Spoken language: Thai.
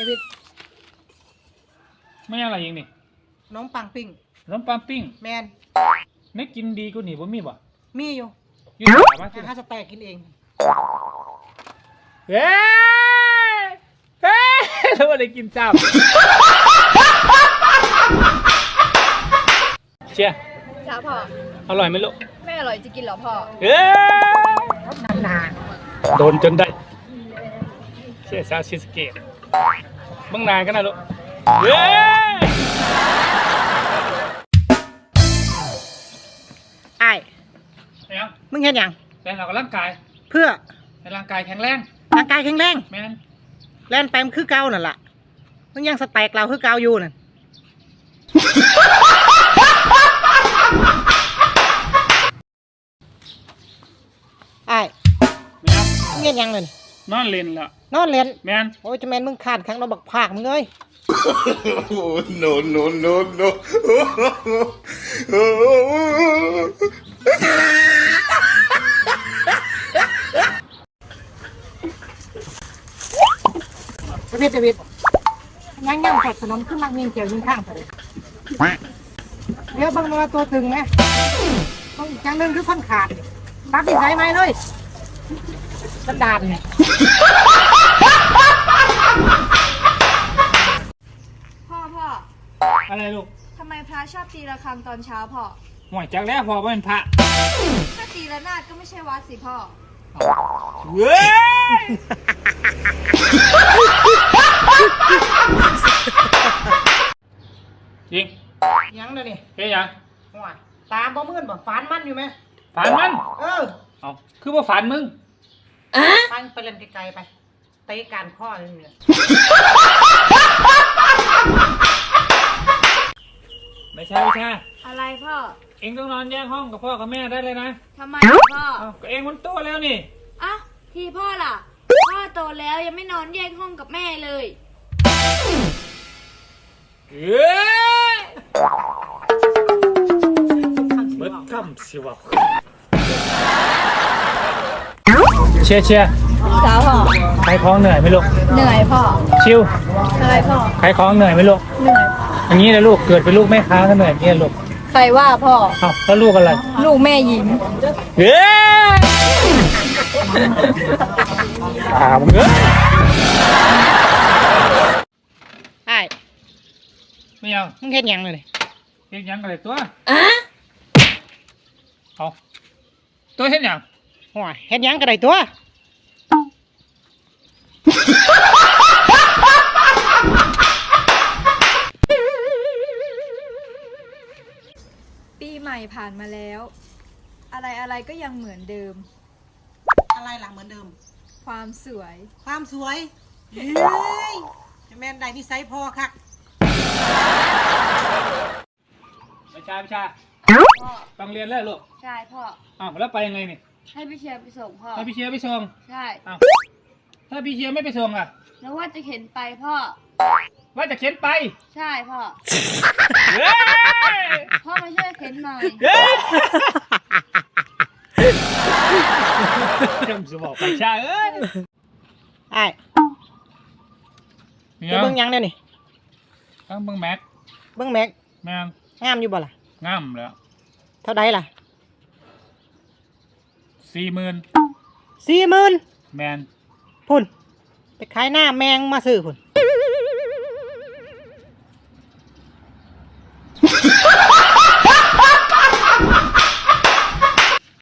วิดไม่อะไรยิงนี่น้องปังปิ้งน้ำปลาปิ้งแมนไม่กินดีกูหนีบ่มีบ่มีอยู่ยืดขามาถ้าสแต็กกินเองเฮ้ยเฮ้ยแล้วอะไรกินจับเชียจ้าพ่ออร่อยไหมลูกไม่อร่อยจะกินหรอพ่อเฮ้ยนานโดนจนได้เชียซาชิสเกตบ้างนานกันนะลูกเฮ้ยไอ้ยังมึงเห็นยังแต่เราก็ร่างกายเพื่อให้ร่างกายแข็งแรงร่างกายแข็งแรงแม่นแล่นไปมันคือเก่านั่นแหละมึงยังสแต็กเราคือเก่าอยู่นั่นไอ้มึงเห็นยังเลยนอนเล่นละนอนเล่นแม่นโอ้ยจะแม่นมึงขาดครั้งเราบักภาคมึงเอ้ย no no no no เดวิดย่างผัดขนมขึ้นมาเงียงเกี่ยวยิงข้างเลยเดี๋ยวบางตัวตึงไหมต้องอีกอย่างหนึ่งคือพันขาดตัดที่ไหนไหมเลยกระดานเนี่ยพ่ออะไรลูกทำไมพระชอบตีระฆังตอนเช้าพ่อห่วยจากแล้วพอเป็นพระถ้าตีระนาดก็ไม่ใช่วัดสิพ่อเว้ยยิงยังเลยนี่เฮ้ยยังตามบ่มื่นบ่ฝันมันอยู่ไหมฝันมันเอาคือว่าฝันมึงฟังไปเล่นไกลๆไปเตะการข้อเลยเนี่ยไม่ใช่อะไรพ่อเอ็งต้องนอนแยกห้องกับพ่อกับแม่ได้เลยนะทำไมพ่อก็เอ็งมันโตแล้วนี่อ่ะพี่พ่อล่ะพ่อโตแล้วยังไม่นอนแยกห้องกับแม่เลยเบิดคำสิวะเชียจ้าพ่อใครคล้องเหนื่อยไหมลูกเหนื่อยพ่อชิวอะไรพ่อใครคล้องเหนื่อยไหมลูกเหนื่อยอย่างนี้นะลูกเกิดเป็นลูกแม่ค้าก็เหนื่อยเนี่ยลูกใครว่าพ่อแล้วลูกอะไรลูกแม่หญิงเฮ้ยมึงไอ้ไม่ยังมึงเห็นยังเลยเห็นยังอะไรตัวเอาตัวเห็นยังหัวเห็นยังกระไรตัวปีใหม่ผ่านมาแล้วอะไรก็ยังเหมือนเดิมอะไรหลังเหมือนเดิมความสวยเฮ้ยแม่นได้นิสัยพอค่ะไม่ใช่ต้องเรียนแล้วลูกใช่พ่อแล้วไปยังไงนี่ให้พี่เชียร์ไปส่งพ่อให้พี่เชียร์ไปส่งใช่ถ้าพี่เชียร์ไม่ไปส่งอ่ะแล้วว่าจะเข็นไปพ่อว่าจะเข็นไปใช่พ่อพ่อมาช่วยเข็นหน่อยจำสมองไปใช่ไอ้จะเบิ้งยังเนี่ยนี่ต้องเบิ้งแม็กแม่งามอยู่บ่ล่ะงามแล้วเท่าใดล่ะ 40,000แมนพุ่นไปขายหน้าแมงมาซื้อพุ่น